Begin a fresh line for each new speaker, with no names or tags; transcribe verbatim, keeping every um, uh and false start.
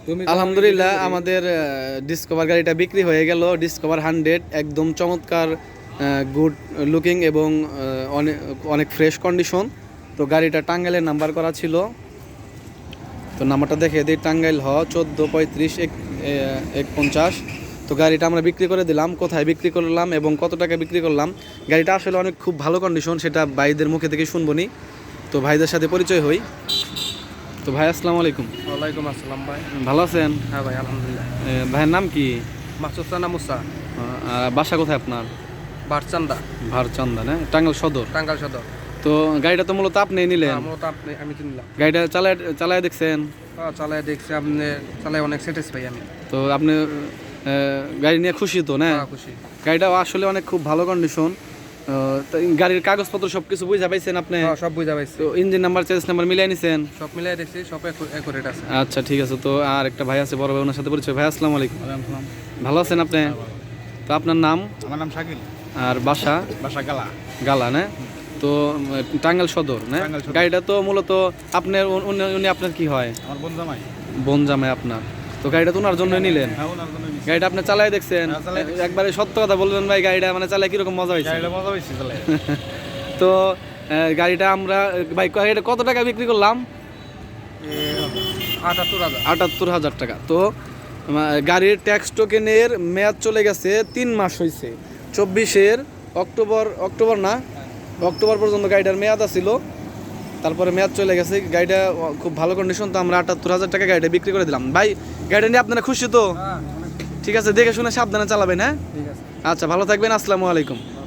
আলহামদুলিল্লাহ আমাদের ডিসকভার গাড়িটা বিক্রি হয়ে গেল। ডিসকভার হান্ড্রেড একদম চমৎকার, গুড লুকিং এবং অনেক অনেক ফ্রেশ কন্ডিশন। তো গাড়িটা টাঙ্গাইলের নাম্বার করা ছিল। তো নাম্বারটা দেখে দিই, টাঙ্গাইল হ চোদ্দো পঁয়ত্রিশ এক এক পঞ্চাশ। তো গাড়িটা আমরা বিক্রি করে দিলাম। কোথায় বিক্রি করলাম এবং কত টাকা বিক্রি করলাম, গাড়িটা আসলে অনেক খুব ভালো কন্ডিশন, সেটা ভাইদের মুখে থেকে শুনবো নি। তো ভাইদের সাথে পরিচয় হই। তো ভাই আসসালামু আলাইকুম।
ওয়ালাইকুম আসসালাম ভাই।
ভালো আছেন?
হ্যাঁ ভাই আলহামদুলিল্লাহ।
ভাইয়ের নাম কি?
মাসুদ রানা মুসা।
আর বাসা কোথায় আপনার?
ভারচান্দা।
ভারচান্দা না, টাঙ্গাইল সদর।
টাঙ্গাইল সদর।
তো গাড়িটা তো মূলত আপনি নিলেন?
হ্যাঁ, মূলত আপনি আমি কিনলাম।
গাড়িটা চালায় চালায় দেখছেন?
হ্যাঁ চালায় দেখছি, আপনি চালায় অনেক স্যাটিসফাই আমি।
তো আপনি আহ, গাড়ি নিয়ে খুশি তো না?
হ্যাঁ খুশি।
গাড়িটা আসলে অনেক খুব ভালো কন্ডিশন। গাড়ির কাগজপত্র সব কিছু বুঝা পাইছেন আপনি?
হ্যাঁ সব বুঝা পাইছি।
তো ইঞ্জিন নাম্বার চেস নাম্বার মিলাই নিছেন?
সব মিলাই দেখছি, সব একুরেট আছে।
আচ্ছা ঠিক আছে। তো আর একটা ভাই আছে বড় ভাই, ওনার সাথে পরিচয়। ভাই আসসালামু আলাইকুম। ভালো আছেন আপনি? তো আপনার নাম?
আমার নাম শাকিল।
আর বাসা?
বাসা গালা।
গালা না? তো টাঙ্গাইল সদর না?
টাঙ্গাইল সদর।
গাড়িটা তো মূলত আপনার, উনি- উনি আপনার কি হয়?
আমার বোন জামাই।
বোন জামাই আপনার। তো গাড়িটা তো ওনার জন্য নিলেন?
হ্যাঁ ওনার জন্য নিছি।
গাড়িটা আপনি চালায় দেখছেন?
হ্যাঁ, চালায় দেখছি।
একবারে সত্য কথা বলবেন ভাই, গাড়িটা মানে চালায় কিরকম মজা হয়েছে?
গাড়িটা মজা হয়েছে চালায়।
তো আহ, গাড়িটা আমরা ভাই গাড়িটা কত টাকা বিক্রি করলাম?
আটাত্তর হাজার।
আটাত্তর হাজার টাকা। তো আহ, গাড়ির ট্যাক্স টোকেনের মেয়াদ চলে গেছে, তিন মাস হয়েছে। চব্বিশের অক্টোবর, অক্টোবর না অক্টোবর পর্যন্ত গাড়িটার মেয়াদ আছিল। তারপরে মেয়াদ চলে গেছে। গাড়িটা খুব ভালো কন্ডিশন। তো আমরা আটাত্তর হাজার টাকা গাড়িটা বিক্রি করে দিলাম। ভাই গাড়িটা নিয়ে আপনারা খুশি তো?
হ্যাঁ
ঠিক আছে, দেখে শুনে সাবধানে চালাবেন। হ্যাঁ
ঠিক আছে।
আচ্ছা, ভালো থাকবেন। আসসালামু আলাইকুম।